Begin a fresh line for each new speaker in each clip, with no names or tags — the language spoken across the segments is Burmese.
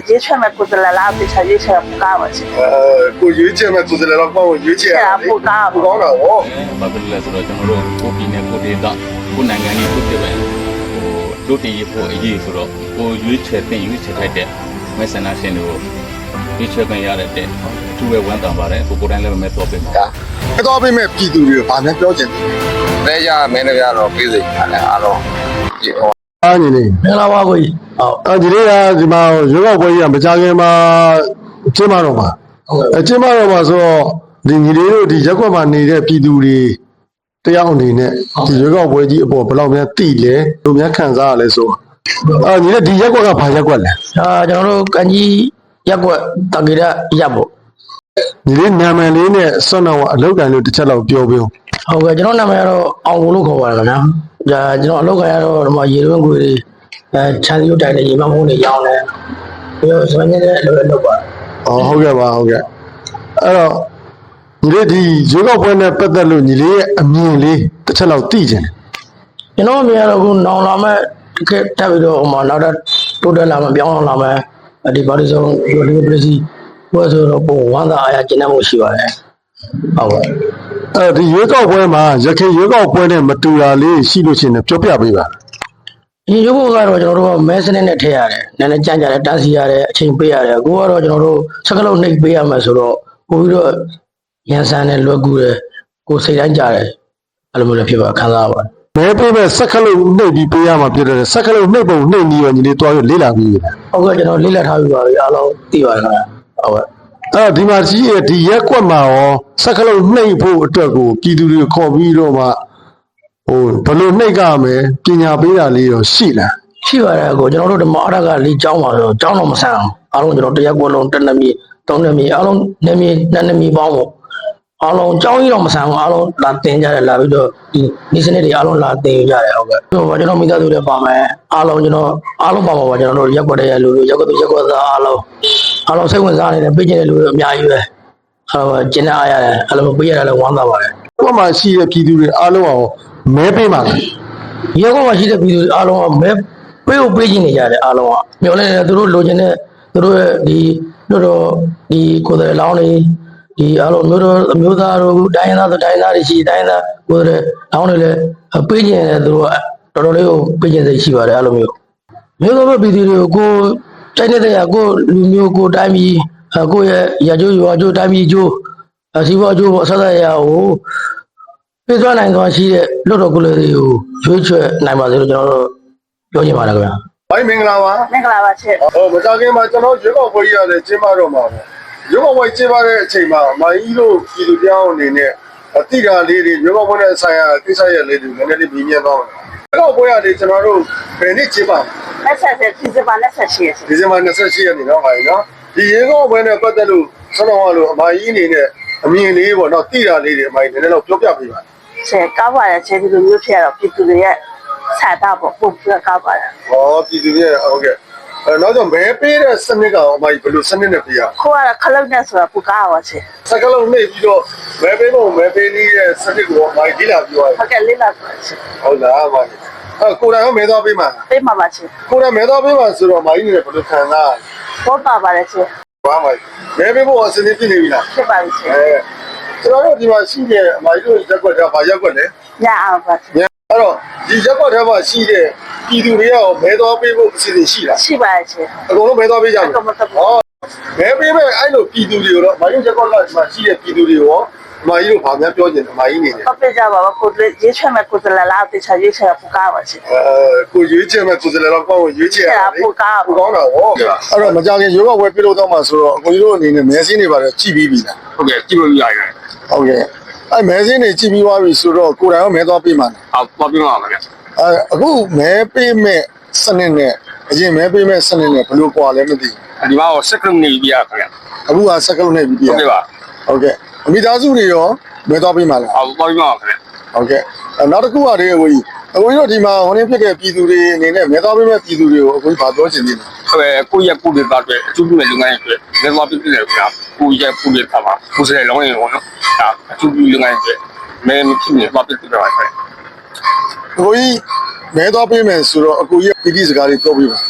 接全面过得来，哪比才越起来不高了去？
ကိုရွေးချယ်မဲ့ကိုယ်စားလှယ်တော့ကောင်းကိုရွေးချယ်ရတယ်
不高。
不ကောင်းတာဗော
ဘာဖြစ်လဲဆိုတော့ကျွန်တော်တို့ကိုပြည်နယ်ကိုဒေသကိုနိုင်ငံကြီးကိုပြည့်ပဲတို့တည်ရဖို့အရေးဆိုတော့ကိုရွေးချယ်တင်ရွေးချယ်ထိုက်တဲ့မဲဆန္ဒရှင်တွေကိုရွေးချယ်ခွင့်ရတဲ့သူ့ရဲ့ဝန်တန်ပါတယ်ကိုတိုင်းလည်းမဲတော့ပြင်ပါ
အဲ့တော့ပြင်မဲ့ပြည်သူတွေကိုဗာများပြောချင်တယ်
လဲရမင်းတို့ကတော့ပြေးစိတ်ရတယ်အားလုံးဒီဟော
အားညီလေး
မင်္ဂလာပါကိုကြီးဟုတ်
အဲဒီလေးကဒီမှာရွေးကောက်ပွဲကြီးကမကြခင်မှာကျင်းပတော့မှာကျင်းပတော့မှာဆိုတော့ဒီညီလေးတို့ဒီရက်ကွက်မှာနေတဲ့ပြည်သူတွေတယောက်အနေနဲ့ဒီရွေးကောက်ပွဲကြီးအပေါ်ဘယ်လောက်များသိလဲဘယ်လိုများခံစားရလဲဆိုညီလေးဒီရက်ကွက်ကဘာရက်ကွက်လဲ
ကျွန်တော်တို့ကန်ကြီးရက်ကွက်တက္ကရာရပ်ပေါ့
ညီလေးနာမည်လေးနဲ့စွန့်တော့အလောက်ကန်လို့တစ်ချက်လောက်ပြောပြအောင်
ဟုတ်ကဲ့ကျွန်တော်နာမည်ကတော့အောင်ကိုလို့ခေါ်ပါတယ်ခင်ဗျာကျွန်တော်အလုပ်ခိုင်းရတော့ဒီမှာရေတွင်းကိုတွေချမ်းရုပ်တိုင်နဲ့ရေမဖုံးတွေရောင်းတယ်ပြီးတော့စပင်းနဲ့အလုပ်ပါ
ဟုတ်ကဲ့ပါဟုတ်ကဲ့အဲ့တော့ညီလေးဒီရွေးကောက်ပွဲနဲ့ပတ်သက်လို့ညီလေးရဲ့အမြင်လေးတစ်ချက်လောက်သိချင်တယ်
ကျွန်တော်အမြင်ကတော့ခုနောင်လာမဲ့ခက်တက်ပြီးတော့ဟိုမှာနောက်တော့တိုးတက်လာမဲ့ပြောင်းလာမဲ့ဒီပါတီဆုံးဒီလိုပစ္စည်းဘယ်ဆိုတော့ပုံဝမ်းသာအားရကျင့်တတ်မှုရှိပါတယ်ဟုတ်ကဲ့
ဒီရွေးကောက်ပွဲမှာရခိုင်ရွေးကောက်ပွဲနဲ့မတူတာလေးရှိလို့ရှိရင်ပြောပြပေးပါ
ဒီရုပ်ဘုတ်ကတော့ကျွန်တော်တို့မဲစနစ်နဲ့ထည့်ရတယ်နည်းနည်းကြမ်းကြတယ်တန်းစီရတယ်အချိန်ပေးရတယ်အခုကတော့ကျွန်တော်တို့စကလုံးနှိပ်ပေးရမယ်ဆိုတော့ပို့ပြီးတော့ရန်ဆန်နဲ့လွယ်ကူတယ်ကိုယ်စိတ်တိုင်းကြတယ်အဲ့လိုမျိုးလည်းဖြစ်ပါခံစားရပါတယ်
မဲပေးမဲ့စက္ကလုံးနှိပ်ပြီးပေးရမှာဖြစ်တယ်စက္ကလုံးနှိပ်ပုံနှိပ်ပြီးရောညီလေးတွားရလေးလာပြီး
ဟုတ်ကဲ့ကျွန်တော်လေးလက်ထားပြီးပါပြီအားလုံးသိပါတယ်ခင်ဗျဟုတ်ကဲ့
ဒီမှာကြီးရဲ့ဒီရက်ကွက်မှာရောစက္ကလုံးနှိပ်ဖို့အတွက်ကိုပြည်သူတွေခေါ်ပြီးတော့မှဘယ်လိုနှိပ်ကြမယ်ပညာပေးတာလေးရောရှိလား
ရှိပါတယ်ကိုကျွန်တော်တို့ဓမ္မအရကလေးကျောင်းပါဆိုကျောင်းတော့မဆန်အောင်အားလုံးကျွန်တော်တရက်ကွက်လုံးတစ်နှစ်မြေသုံးနှစ်မြေအားလုံးနှစ်မြေနှစ်နှစ်မြေပေါင်းပေါ့အားလုံးကျောင်းကြီးတော့မဆန်ဘူးအားလုံးလာတင်ကြတယ်လာပြီးတော့ဒီနေ့စနစ်တွေအားလုံးလာတင်ကြတယ်ဟုတ်ကဲ့ဟိုကျွန်တော်မိသားစုတွေပါမယ်အားလုံးကျွန်တော်အားလုံးပါမှာပါကျွန်တော်တို့ရက်ကွက်တဲ့လူတွေရက်ကွက်သူရက်ကွက်သားအားလုံးစိတ်ဝင်စားနေတယ်ပေးကြတဲ့လူတွေအများကြီးပဲကျင်းနေအားရတယ်အဲ့လိုပေးရတယ်လည်းဝမ်းသာပါတယ်
ကွက်မှာရှိတဲ့ပြည်သူတွေအားလုံးအောင်မဲပေးပါလား
ရက်ကွက်မှာရှိတဲ့ပြည်သူတွေအားလုံးကမဲပေးချင်နေကြတယ်အားလုံးကမျောလဲနေသူတို့လိုချင်တဲ့သူတို့ရဲ့ဒီတို့တော့ဒီကိုယ်တိုင်လောင်းနေဒီအားလုံးမျိုးတို့အမျိုးသားတို့တိုင်းသားဆိုတိုင်းသားတွေရှိတိုင်းသားကိုယ်တိုင်လောင်းနေလဲပေးချင်တယ်သူတို့ကတော်တော်လေးကိုပေးချင်စိတ်ရှိပါတယ်အဲ့လိုမျိုးမျိုးသောပြည်သူတွေကိုတိုက်နေတဲ့ကိုလူမျိုးကိုတိုင်းပြည်ကိုရဲ့ရကြိုးရွာကြိုးတိုင်းပြည်ကြိုးစီးပွားကြိုးပေါ့ဆက်ဆက်ရကိုပြေးသွားနိုင်သွားရှိတဲ့လွတ်တော်ကိုယ်တွေကိုရွေးချယ်နိုင်ပါစေလို့ကျွန်တော်တို့ပြောချင်ပါတယ်ခင်ဗျာ
ဘိုင်းမင်္ဂလာပါ
那个喇叭车，
မကြခင်မှာကျွန်တော်ရွေးကောက်ပွဲကြီးရတယ်ကျင်းပတော့မှာပဲရွေးကောက်ပွဲကျင်းပတဲ့အချိန်မှာမိုင်းကြီးတို့ပြည်သူပြောင်းအနေနဲ့အတိကာလေးတွေရွေးကောက်ပွဲနဲ့ဆိုင်ရာကိစ္စရပ်လေးတွေနည်းနည်းလေးမြင်မြင်တော့ရွေးကောက်ပွဲရတယ်ကျွန်တော်တို့ဘယ်နေ့ကျင်းပ
那才是第一把那才是。
ဒီဇင်ဘာ28ရက်နေ့တော့ပါပြီနော်ဒီရွေးကောက်ပွဲနဲ့ပတ်သက်လို့ကျွန်တော်ကလို့အမကြီးအနေနဲ့အမြင်လေးပေါ့နော်တိတာလေးတွေအမကြီးနည်းနည်းတော့ပြောပြပေးပါ
是高把的，这个有票了，比这个也菜大不高把的。
ဟောပြည်သူရဲ့ဟုတ်ကဲ့နောက်တော့မဲပေးတဲ့စနစ်ကအမကြီးဘယ်လိုစနစ်နဲ့ပေးရ
可啊，可能那时候不高啊，是。
စကလုံးနှိပ်ပြီးတော့မဲပေးဖို့မဲပေးနည်းရဲ့စနစ်ကိုအမကြီးလေ့လာပြီးသွား
他给你那个是，
ဟုတ်လားအမကြီးကိုယ်တိုင်ရောမဲသွားပေးမှာ
对妈妈是，
ကိုယ်တိုင်မဲသွားပေးမှာဆိုတော့အမကြီးနေဘယ်လိုခံစား
我高把的是，
ဘာမှမဲပေးဖို့အစနစ်ပြည့်နေပြီလား
是吧是。
ကျွန်တော်တို့ဒီမှာရှိတဲ့အမကြီးတို့ရက်ွက်တာဗာရက်ွက်လေ
伢啊把是，
အဲ့တော့ဒီရက်ွက်ထဲမှာရှိတဲ့ပြည်သူတွေရောမဲသွားပေးဖို့အစီအစဉ်ရှိလား
是吧是。
အကုန်လုံးမဲသွားပေးကြတယ်
那个么子。
ဟောမဲပေးမဲ့အဲ့လိုပြည်သူတွေကိုတော့အမကြီးရက်ွက်ကဒီမှာရှိတဲ့ပြည်သူတွေရောအမကြီးတို့ဗာများပြောချင်တယ်အမကြီးနေတယ်
我别讲吧，我过得接全面过得来，哪比才越起来不高啊是。
ကိုရွေးချယ်မဲ့ကိုယ်စားလှယ်တော့ကောင်းကိုရွေးချယ်ရတယ်
不高。
ကိုကောင်းတာဟောအဲ့တော့မကြခင်ရွေးကောက်ပွဲပြုလုပ်တော့မှဆိုတော့အကိုကြီးတို့အနေနဲ့မဲစင်းတွေပါတယ်ကြည့်ပြီးပြီလား
ဟုတ်ကဲ့ကြည့်လို့ရတယ်
ဟုတ်ကဲ့အဲ့မဲစင်းတွေကြည့်ပြီးသွားပြီဆိုတော့ကိုယ်တိုင်ရောမဲသွားပေးမှာလား
ဟုတ်ပါပြပါမယ်
အခုမဲပေးမဲ့စနစ်နဲ့အရင်မဲပေးမဲ့စနစ်နဲ့ဘယ်လိုကွာလဲမသိ
ဒီမှာစက်ကလုံးနေပြရခင်ဗျ
ဘူးအခုကစက်ကလုံးနဲ့ပြီးပြ
ဟုတ်ကဲ့ပါ
ဟုတ်ကဲ့မိသားစုတွေရောမဲသွားပေးမှာလား
ဟုတ်ပါပြပါခင်ဗျ
ဟုတ်ကဲ့နောက်တစ်ခုကတည်းကကိုကြီးတို့ဒီမှာဟိုနေ့ဖြစ်တဲ့ပြည်သူတွေအနေနဲ့မဲသွားပေးမဲ့ပြည်သူတွေကိုအခုဘာပြောချင်သေးလဲ
ကိုရက်ကိုတွေသားတွေအကျိုးပြုတဲ့လုပ်ငန်းတွေလက်သွားပြည့်တယ်ခင်ဗျကိုရက်ကိုတွေသားပါကိုယ်စတဲ့လောင်းရင်ပေါ့နော်ဒါအကျိုးပြုလုပ်ငန်းတွေမဲမဖြစ်နေသွားပြည့်တယ်ပါခင်ဗျ
ကိုကြီးမဲသွားပေးမယ်ဆိုတော့အကိုကြီးပြည်စကားတွေပြောပြပါ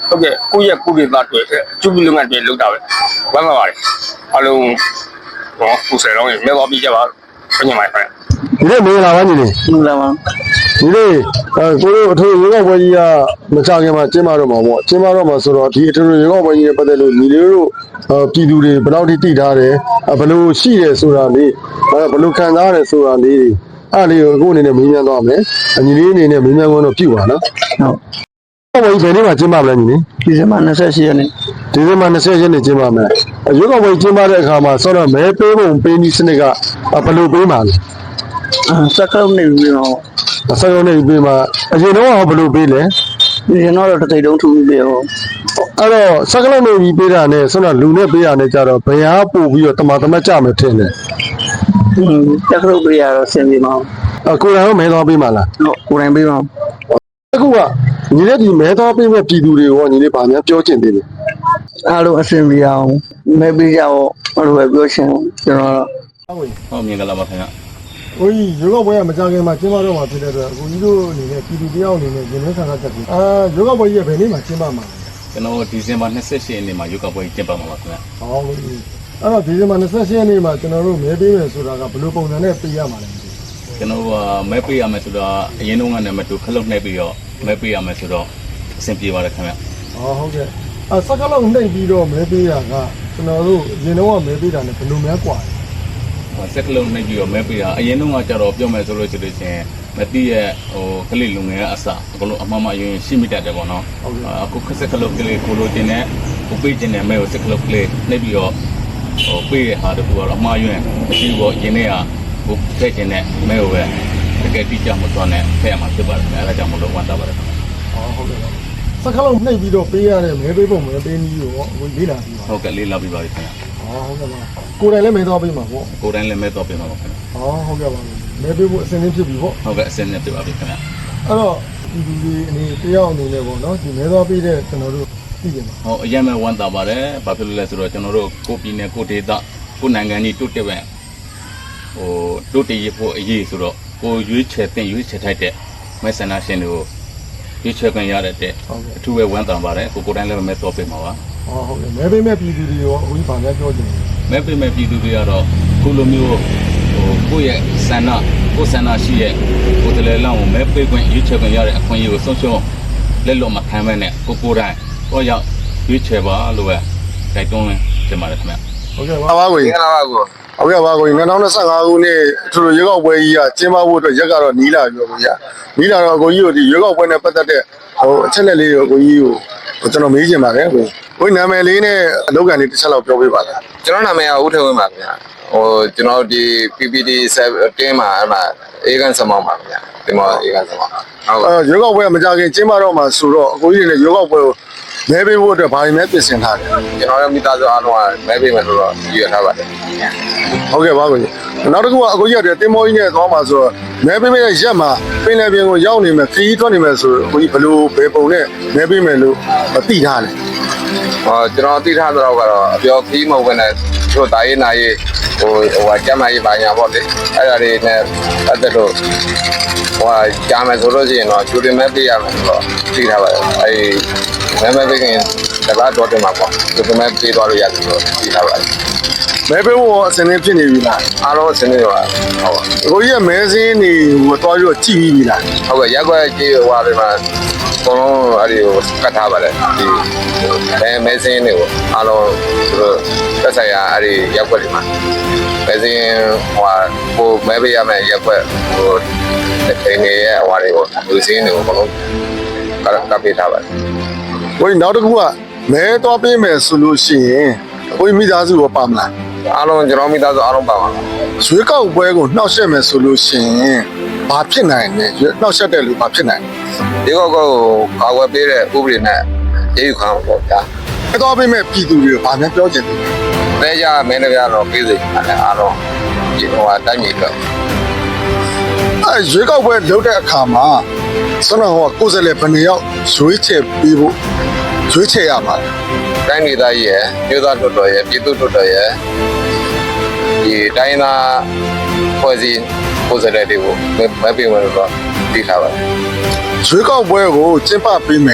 ဟုတ်ကဲ့ကိုယ့်ရဲ့ကိုယ်တွေသားတွေအကျိုးပြုလုပ်ငန်းတွေလုပ်တာပဲဝမ်းသာပါတယ်အားလုံးဟောကိုယ်စားလုံးမြေသွားပြီးကြပါဘယ်ညမှာပဲ
ဒီနေ့မင်္ဂလာပါညီလေး
မင်္ဂလာပါ
ဒီနေ့ကိုတို့အထူးရေကောက်ပွဲကြီးကမကြခင်မှာကျင်းပတော့မှာပေါ့ကျင်းပတော့မှာဆိုတော့ဒီအထူးရေကောက်ပွဲကြီးနဲ့ပတ်သက်လို့ညီလေးတို့ပြည်သူတွေဘယ်လောက်ထိတိထားတယ်ဘယ်လိုရှိတယ်ဆိုတာလေးဘယ်လိုခံစားရတယ်ဆိုတာလေးအဲ့လေးကိုအခုအနေနဲ့မေးမြန်းသွားမယ်ညီလေးအနေနဲ့မေးမြန်းခွင့်တော့ပြုပါနော်
ဟုတ်
ရေကောက်ပွဲကြီးဘယ်နေ့မှာကျင်းပမလဲညီလေး
ဒီဇင်ဘာ28ရက်နေ့
ဒီဇင်ဘာ20ရက်နေ့ကျင်းပမယ်ရေကောက်ပွဲကျင်းပတဲ့အခါမှာဆိုတော့မဲပေးပုံပေးနည်းစနစ်ကဘယ်လိုပေးမှာလဲ
စက္ကလုံးနေပြီးတော့
အစရုံးနေပေးမှာအရင်တော့ဘယ်လိုပေးလဲ
ဒီတော့တသိတုံးထူပြီးပြော
အဲ့တော့စကလုံးနေပြီးပေးတာနဲ့ဆိုတော့လူနဲ့ပေးတာနဲ့ကြတော့ဘယ်ဟာပို့ပြီးတော့တမတ်ကြမယ်ထင်တယ်
စက္ကလုံးပြရတော့ဆင်ပြေမအောင်
ကိုယ်တိုင်ရောမဲသွားပေးမှာလား
ဟုတ်ကိုယ်တိုင်ပေးပါအောင်
အခုကညီလေးဒီမဲသွားပေးမဲ့ပြည်သူတွေရောညီလေးဗာများပြောချင်သေးတယ်
အားလုံးအဆင်ပြေအောင်မဲပေးကြအောင်အဲ့လိုပဲပြောချင်ကျွန်တော်
ဟုတ်မြင်ကြလားပါခင်ဗျာ
။ကိုကြီးရေကောက်ပွဲကမကြခင်မှာကျင်းပတော့မှာဖြစ်တဲ့အတွက်ကိုကြီးတို့အနေနဲ့ပြည်သူတယောက်အနေနဲ့ရင်ထဲဆန္ဒတက်ပြီးရေကောက်ပွဲကြီးကဘယ်နေ့မှာကျင်းပမှာလဲ
ကျွန်တော်ဒီဇင်ဘာ28ရက်နေ့မှာရုပ်ကပွဲကျင်းပမှာပါခင်ဗျာ
။ဟောကိုကြီးအဲ့တော့ဒီဇင်ဘာ28ရက်နေ့မှာကျွန်တော်တို့မဲပေးမယ်ဆိုတာကဘယ်လိုပုံစံနဲ့ပေးရမှာလဲ
ကျွန်တော်ကမဲပေးရမယ်ဆိုတော့အရင်တုန်းကနဲ့မတူခလုတ်နှိပ်ပြီးတော့မဲပေးရမယ်ဆိုတော့အဆင်ပြေပါတယ်ခင်ဗျာ
။ဟောဟုတ်ကဲ့။စကလုံးနှိပ်ပြီးတော့မဲပေးတာကကျွန်တော်တို့ရင်တော့မဲပေးတာနဲ့ဘယ်လိုများกว่าလဲ
စက်ကလုံးနှိပ်ပြီးတော့မဲပေးတာအရင်တုန်းကကြတော့ပြောမယ်ဆိုလို့ရှိလို့ချင်းမတိရဲ့ကလေးလူငယ်ကအစအကုန်လုံးအမှန်မှယွင်ရှိမိတတ်တယ်ပေါ့နော်အခုခက်စက်ကလုံးကလေးကိုလိုတင်တဲ့ကိုပေးခြင်းနဲ့မဲကိုစက်ကလုံးကလေးနှိပ်ပြီးတော့ပေးတဲ့ဟာတကူကတော့အမှားယွင်မရှိဘူးရင်းနေကကိုထည့်ခြင်းနဲ့မဲကိုပဲတကယ်တိကျမသွားနဲ့ဖဲ့ရမှာဖြစ်ပါတယ်အဲဒါကြောင့်မလို့ဝမ်းသာပါတယ်
။ဟောဟုတ်ကဲ့။စကလုံးနှိပ်ပြီးတော့ပေးရတဲ့မဲပေးပုံမဲပေးနည်းကိုဝင်လေးလာပြီးပါ
ဟုတ်ကဲ့လေးလာပြီးပါပြီခင်ဗျာ
။ဟောဟုတ်ကဲ့ပါ။ကိုယ်တိုင်လည်းမဲသွားပေးမှာပေါ့
ကိုယ်တိုင်လည်းမဲတော့ပြင်ပါပါခင်ဗျာ
။ဟောဟုတ်ကဲ့ပါ။မဲပေးဖို့အစဉ်သင်းဖြစ်ပြီပေါ့
ဟုတ်ကဲ့အစင်းနဲ့ပြပါပြီခင်ဗျာ
။အဲ့တော့ဒီလူတွေအနေတယောက်အနေနဲ့ပေါ့နော်ဒီမဲသွားပေးတဲ့ကျွန်တော်တို့သိကြပါ
ဟောအရင်မဲ့ဝမ်းသာပါတယ်ဘာဖြစ်လို့လဲဆိုတော့ကျွန်တော်တို့ကိုပြည်နယ်ကိုဒေသကိုနိုင်ငံကြီးတိုးတက်ပဲတိုးတက်ရဖို့အရေးဆိုတော့ကိုရွေးချယ်တင်ရွေးချယ်ထိုက်တဲ့မဲဆန္ဒရှင်တွေကိုရွေးချယ်ခွင့်ရတဲ့အထူးပဲဝမ်းသာပါတယ်ကိုတိုင်းလည်းမဲတော့ပေးမှာပါ
။ဟောဟုတ်ကဲ့မဲပေးမဲ့ပြည်သူတွေရောအခုဘာများပြောချင်လဲ
မဲပေးမဲ့ပြည်သူတွေကတော့ခုလိုမျိုးကိုယ့်ရဲ့ဆန္ဒကိုယ်ဆန္ဒရှိရဲ့ကိုယ်တည်းလောင်းကိုမဲပေးခွင့်ရွေးချယ်ခွင့်ရတဲ့အခွင့်အရေးကိုဆုံးရှုံးလက်လွတ်မခံမဲနဲ့ကိုတိုင်းတော့ရောက်ရွေးချယ်ပါလို့ပဲတိုက်တွန်းတင်ပါတယ်ခင်ဗျာ
။ဟုတ်ကဲ့ပါ
ပါပါကို
မင်္ဂလာပါကို
ဟုတ်ကဲ့ပါကို2025ခုနှစ်အထူးရေကောက်ပွဲကြီးကကျင်းပဖို့အတွက်ရက်ကတော့နီးလာပြီပေါ့ဗျာနီးလာတော့အကိုကြီးတို့ဒီရေကောက်ပွဲနဲ့ပတ်သက်တဲ့အချက်လက်လေးကိုအကိုကြီးကိုကျွန်တော်မေးချင်ပါတယ်ကိုနာမည်လေးနဲ့အလုပ်ကန်လေးတစ်ချက်လောက်ပြောပေးပါလား
ကျွန်တော်နာမည်ကဦးထေဝင်းပါခင်ဗျာကျွန်တော်ဒီ PPD 7မှာအဲ့မှာအေကန်စမောင်းပါခင်ဗျာဒီမှာအေကန်စမောင်းဟုတ်ကဲ့
ရေကောက်ပွဲကမကြခင်ကျင်းပတော့မှာဆိုတော့အကိုကြီးတွေလည်းရေကောက်ပွဲကိုမဲပေးဖို့အတွက်ဘာတွေမဲပြင်ဆင်ထားလဲ
ကျွန်တော်ရဲ့မိသားစုအားလုံးကမဲပေးမယ်လို့တော့ရည်ရထားပါတယ်
ဟုတ်ကဲ့ပါကိုကြီးနောက်တစ်ခုကအကိုကြီးကတင်မောကြီးနဲ့သွားမှာဆိုတော့မဲပေးမဲ့ရက်မှာပင်လယ်ပြင်ကိုရောက်နေမယ်ခရီးထွက်နေမယ်ဆိုတော့အကိုကြီးဘလို့ဘယ်ပုံနဲ့မဲပေးမယ်လို့သိထားတယ်
ကျွန်တော်သိထားတော့ကတော့အပြောခီးမဟုတ်ဘဲနဲ့တို့တာရေးနာရေးဟိုကျမ်းမာရေးပါညာပေါ့လေအဲ့ဒါတွေနဲ့ပတ်သက်လို့ကြားမယ်ဆိုလို့ရှိရင်တော့ကျူတင်မဲပေးရမယ်ဆိုတော့သိထားပါတယ်အဲ့မဲပေးခင်တပတ်တော့တင်မှာပေါ့ကျူတင်မဲပေးသွားလို့ရတယ်ဆိုတော့သိထားပါတယ်
မဲပေးဖို့အစင်းလေးဖြစ်နေပြီလား
အားလုံးအဆင်ပြေပါဟုတ်ပါ
အကိုကြီးကမဲစင်းနေဟိုတွားပြီးတော့ကြည့်ပြီးပြီလား
ဟုတ်ကဲ့ရက်ွက်ကြီးဟိုဟာတွေမှာအကုန်လုံးအဲ့ဒီကိုကတ်ထားပါတယ်ဒီမဲစင်းတွေကိုအားလုံးသူတို့သက်ဆိုင်ရာအဲ့ဒီရက်ွက်တွေမှာမဲစင်းဟိုဟာကိုမဲပေးရမယ်ရက်ွက်ဟိုတိနေရဲ့ဟိုဟာတွေကိုလူစင်းတွေကိုအကုန်လုံးကပ်ပေးထားပါတယ်
ကိုကြီးနောက်တစ်ခုကမဲသွားပေးမယ်ဆိုလို့ရှိရင်ကိုကြီးမိသားစုရောပါမလား
အားလုံးကျွန်တော်မိသားစုအားလုံးပါပါ
ရွေးကောက်ပွဲကိုနှောက်ယှက်မယ်ဆိုလို့ရှိရင်ဘာဖြစ်နိုင်လဲနှောက်ယှက်တဲ့လူဘာဖြစ်နိုင်
ဒီကောကိုကာဝယ်ပေးတဲ့ဥပဒေနဲ့ရေးယူခံအောင်ပေါ့ဗျာ
လဲမဲသွားပေးမဲ့ပြည်သူတွေကိုဘာများပြောချင်လဲ
လဲကြမင်းတွေကတော့ပေးစိတ်အားလုံးဒီဟိုဟာတိုင်းပြည်တော့
ရွေးကောက်ပွဲလုပ်တဲ့အခါမှာဆွမ်းတော်ကကိုယ်စားလှယ်ဘယ်နှယောက်ရွေးချယ်ပေးဖို့ရွေးချယ်ရမှာလဲ
တိုင်းဒေသကြီးရဲ့မြို့သားတော်တော်ရဲ့ပြည်သူတော်တော်ရဲ့ဒီတိုင်းသားဖွဲ့စည်းကိုယ်စားလှယ်တွေကိုမဲပေးမယ်လို့တော့သိထားပါတယ်
ရွေးကောက်ပွဲကိုကျင်းပပေးမယ်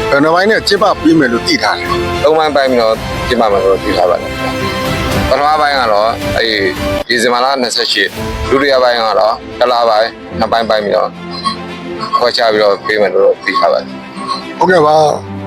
ဘယ်နှပိုင်းနဲ့ကျင်းပပြီးမယ်လို့သိထားတယ်
သုံးပိုင်းပိုင်းပြီးတော့ကျင်းပမယ်လို့ပြောထားပါတယ်ပထမပိုင်းကတော့ဒီဇင်ဘာလ28ဒုတိယပိုင်းကတော့တစ်လပိုင်းနှစ်ပိုင်းပိုင်းပြီးတော့ခေါ်ချပြီးတော့ပေးမယ်လို့ပြောထားပါတယ်
ဟုတ်ကဲ့ပါ